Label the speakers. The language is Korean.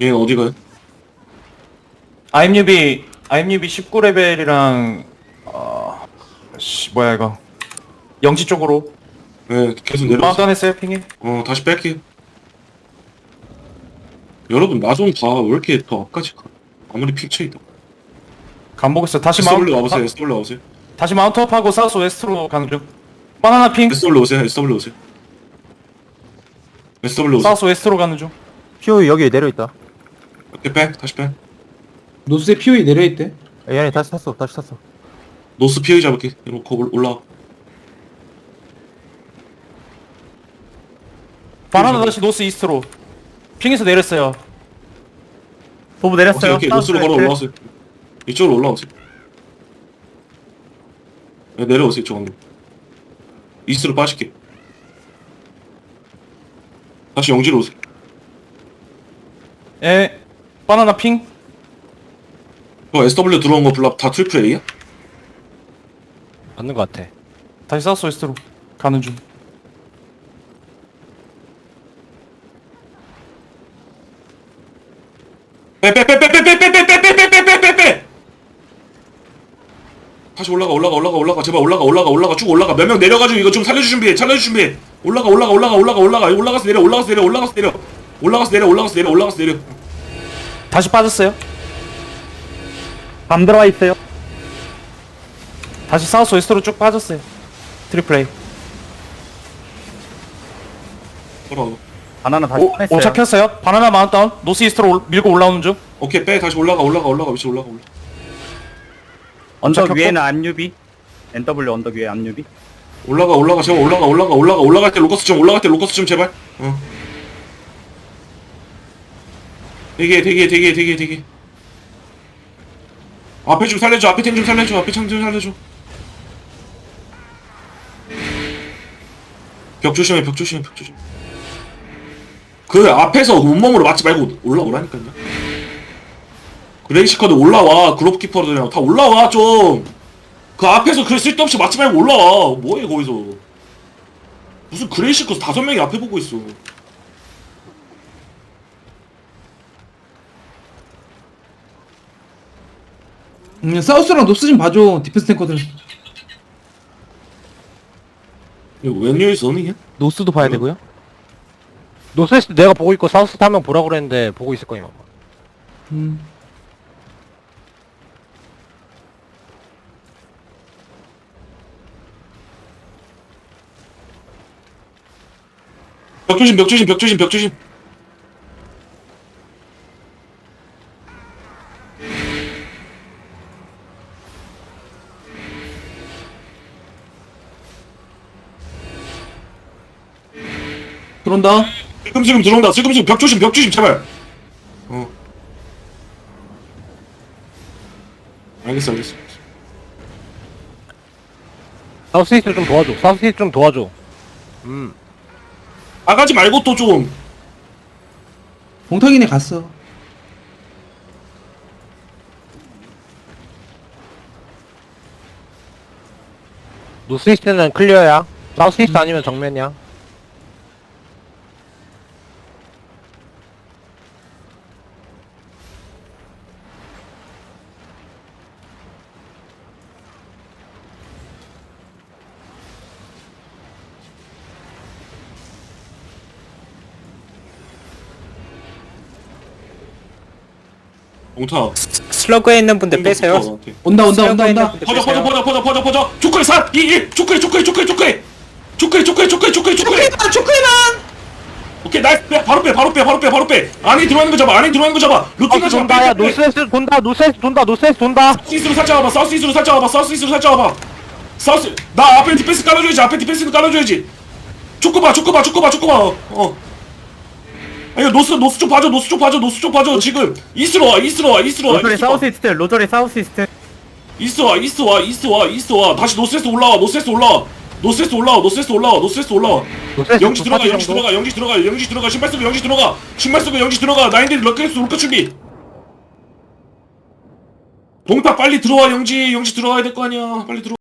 Speaker 1: 얘는 어디 가요?
Speaker 2: IMUB 19레벨이랑 뭐야 이거 영지 쪽으로
Speaker 1: 네, 계속 내려오세요.
Speaker 2: 마운트했어요 핑해.
Speaker 1: 다시 뺄게요. 여러분, 나 좀 봐. 왜 이렇게 더 앞까지 가? 아무리 픽쳐 있다.
Speaker 2: 간 보겠어. 다시
Speaker 1: SW 와보세요, SW 와보세요.
Speaker 2: 다시 마운트업하고 사우스 웨스트로 가는 중. 바나나 핑
Speaker 1: SW 오세요, SW 오세요. SW 오세요.
Speaker 2: 사우스 웨스트로 가는 중.
Speaker 3: POE 여기 내려있다.
Speaker 1: 이렇게 빼, 다시 빼.
Speaker 4: 노스에 POE 내려있대.
Speaker 3: 얘네 다시 탔어.
Speaker 1: 노스 피해 잡을게. 이렇게 올라와.
Speaker 2: 바나나 다시 노스 이스트로. 핑에서 내렸어요.
Speaker 3: 도부
Speaker 1: 오케이,
Speaker 3: 내렸어요.
Speaker 1: 오케이. 노스로 걸어 올라왔어요. 이쪽으로 올라오세요. 네, 내려오세요, 이쪽 방금. 이스트로 빠질게. 다시 영지로 오세요.
Speaker 2: 예. 바나나 핑.
Speaker 1: SW 들어온 거 블랍 다 트리플 A야?
Speaker 5: 맞는 것 같아.
Speaker 2: 다시 사우스 웨스트로 가는 중.
Speaker 1: 빼 다시 올라가 제발 올라가 쭉 올라가 몇 명 내려가지고 이거 좀 살려줄 준비해 올라가 올라가서 내려
Speaker 2: 다시 빠졌어요.
Speaker 3: 밤 들어와 있어요.
Speaker 2: 다시 사우스 웨스트로 쭉 빠졌어요. 트리플 A.
Speaker 1: 돌아와.
Speaker 3: 바나나 다시 꺼냈어요.
Speaker 2: 오착했어요. 바나나 마운트다운. 노스 이스트로 밀고 올라오는 중.
Speaker 1: 오케이 빼 다시 올라가 위치 올라가
Speaker 3: 언덕
Speaker 2: 오착했고.
Speaker 3: 위에는 안유비. NW 언덕 위에 안유비.
Speaker 1: 제발 올라갈 때 로커스 좀 제발 대기해 앞에 좀 살려줘 앞에 창 좀 살려줘 벽 조심해 그 앞에서 온몸으로 맞지 말고 올라오라니까요. 그레이시커드 올라와. 그룹키퍼들이랑 다 올라와 좀. 그 앞에서 그 쓸데없이 맞지 말고 올라와. 뭐해 거기서. 무슨 그레이시커드 5명이 앞에 보고 있어.
Speaker 4: 사우스랑 노스 좀 봐줘. 디펜스 탱커들.
Speaker 1: 이거 웬일이서 너니?
Speaker 3: 노스도 봐야 되고요.
Speaker 5: 노스웨스트 내가 보고 있고 사우스 타면 보라고 그랬는데 보고 있을 거임 아마.
Speaker 1: 벽 조심.
Speaker 4: 들어온다.
Speaker 1: 슬금슬금 들어온다. 벽 조심 제발. 알겠어.
Speaker 5: 사우스웨스트 좀 도와줘.
Speaker 1: 나가지 말고 또 좀.
Speaker 4: 봉탁이네 갔어.
Speaker 5: 노스웨스트는 클리어야. 사우스웨스트 아니면 정면이야.
Speaker 1: 옹타.
Speaker 6: 슬러그에 있는 분들 빼세요.
Speaker 4: 온다.
Speaker 6: 슬러그에 있는 분들 빼세요.
Speaker 1: 퍼져. 초크에 4, 2, 1. 초크에. 오케이, 나이스. 바로 빼. 안에 들어가는 거 잡아. 루팅가
Speaker 5: 사우스
Speaker 1: 잡아.
Speaker 5: 돈다. 야 노스웨스트 돈다.
Speaker 1: 사우스 이스트로 살짝 와봐. 사우스. 나 앞에 디펜스 깔아줘야지. 초크 봐. 아니 노스 쪽 봐줘. 지금 이스트로 와.
Speaker 3: 로저리 사우스 이스트.
Speaker 1: 이스트 와. 다시 노스에서 올라와. 영지 들어가. 신발 쓰고 영지 들어가. 나인들이 럭커 준비. 동탁 빨리 들어와. 영지 들어가야 될 거 아니야. 빨리 들어와.